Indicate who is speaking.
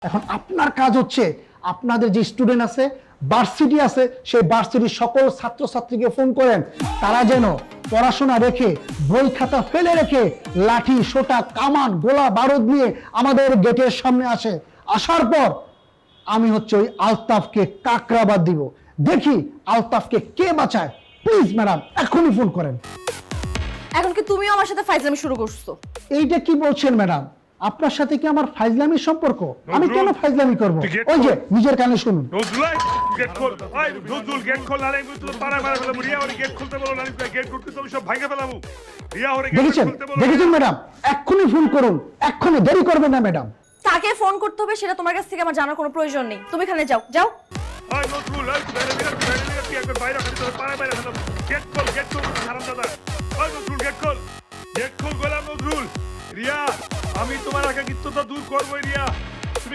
Speaker 1: এখন আপনার কাজ হচ্ছে আপনাদের যে স্টুডেন্ট আছে, ভার্সিটি আছে, সেই ভার্সিটির সকল ছাত্রছাত্রীকে ফোন করেন, তারা যেন পড়াশোনা রেখে, বই খাতা ফেলে রেখে লাঠি, সোটা, কামান, গোলা বারুদ নিয়ে আমাদের গেটের সামনে আসে। আসার পর আমি হচ্ছে ওই আলতাফকে কাকরাবাদ দিব। দেখি আলতাফকে কে বাঁচায়। প্লিজ ম্যাডাম, এখনই ফোন করেন।
Speaker 2: এখন কি তুমিও আমার সাথে ফাইজলামি শুরু করছো?
Speaker 1: এইটা কি বলছেন ম্যাডাম? আপনার সাথে কি আমার ফাইজলামির সম্পর্ক? আমি কেন ফাইজলামি করব? ওই যে নিজের কানে শুনুন।
Speaker 3: নজরুল গেট খোল, ভাই নজরুল গেট খোল, নালে আমি তো পাড়া মারা ফেলাম। রিয়া ওরে গেট খুলতে বলো, নালে গেট করতে তো আমি সব ভাঙে ফেলামু। রিয়া ওরে গেট
Speaker 1: দেখেছেন
Speaker 3: খুলতে বলো।
Speaker 1: দেখেছেন ম্যাডাম, এক্ষুনি ফোন করুন, এক্ষুনি, দেরি করবেন না ম্যাডাম।
Speaker 2: কাকে ফোন করতে হবে সেটা তোমার কাছ থেকে আমার জানার কোনো প্রয়োজন নেই। তুমি এখানে যাও যাও।
Speaker 3: ভাই নজরুল বাইরে কি একবার বাইরে খালি তো পাড়া বাইরে ফেলাম। গেট খোল হারাম দাদা। ভাই নজরুল গেট খোল গোলাম নজরুল। রিয়া আমি তোমার একাকিত্বতা দূর করবই রিয়া।